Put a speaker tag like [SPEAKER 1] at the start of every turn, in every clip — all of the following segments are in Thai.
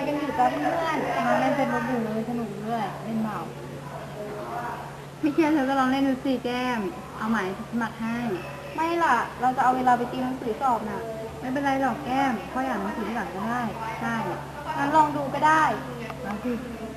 [SPEAKER 1] กันอยู่จ้าเพื่อนมาเล่นเป็นบอลอยู่เลยสนุกด้วยเล่นเมาไม่เชื่อเธอก็ลองเล่นดูสิแก้มเอาหมายสมัครให้ไม่ล่ะเราจะเอาเวลาไปตีหนังสือสอบน่ะไม่เป็นไรหรอกแก้มพ่ออยากหนังสือหลังก็ได้ใช่งั้นลองดูก็ได้ลองสิ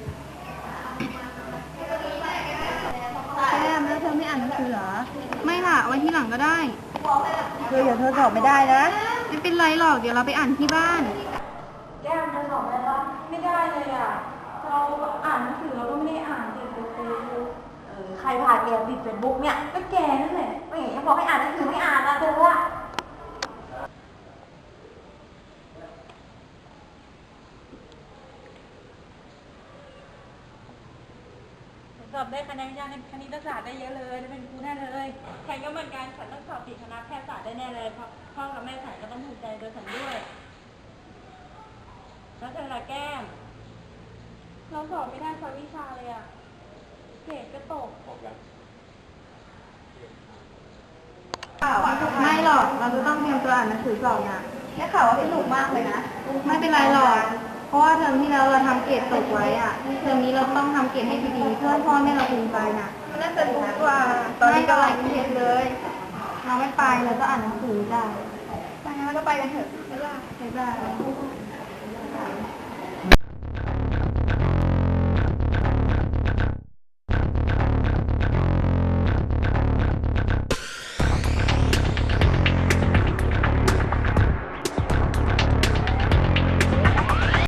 [SPEAKER 1] แก้มแล้วเธอไม่อ่านหนังสือเหรอไม่ล่ะเอาไว้ที่หลังก็ได้เดี๋ยวเธอสอบไม่ได้นะไม่เป็นไรหรอกเดี๋ยวเราไปอ่านที่บ้าน
[SPEAKER 2] แก้มเธอสอบได้ปะไม่ได้เลยอ่ะเราอ่านหนังสือเราก็ไม่ได้อ่านติดเฟซบุ๊กใครพาแกติดเฟซบุ๊กเนี่ยก็แกนั่นแหละไม่เห็นยังบอกให้อ่านหนังสือไม่อ่านนะเธอว่าสอบได้คะแนนวิชาคณิตศาสตร์ได้เยอะเลยได้เป็นครูแน่เลยฉันก็เหมือนกันฉันต้องสอบติดคณะแพทยศาสตร์ได้แน่เลยเพราะพ่อกับแม่ฉันก็ต้องภูมิใจโดยฉันด้วยแล้วเธอละแก้มเราสอบไม่ได้สักวิชาเลยอะเกรดก็ตก
[SPEAKER 1] ไม่หรอกเราจะต้องเตรียมตัวอ่านหนังสือสอบนะได้ข่าวว่าสนุกมากเลยนะไม่เป็นไรหรอกเพราะว่าเทอมที่แล้วเราทำเกรดตกไว้อะเทอมนี้เราต้องทำเกรดให้ดีๆเพื่อพ่อแม่เราภูมิใจนะมันน่าสนุกกว่าตอนนี้ก็ไล่เรียนเลยเราไม่ไปเราก็อ่านหนังสือได้ไปงั้นเราก็ไปกันเถอะบ๊ายบาย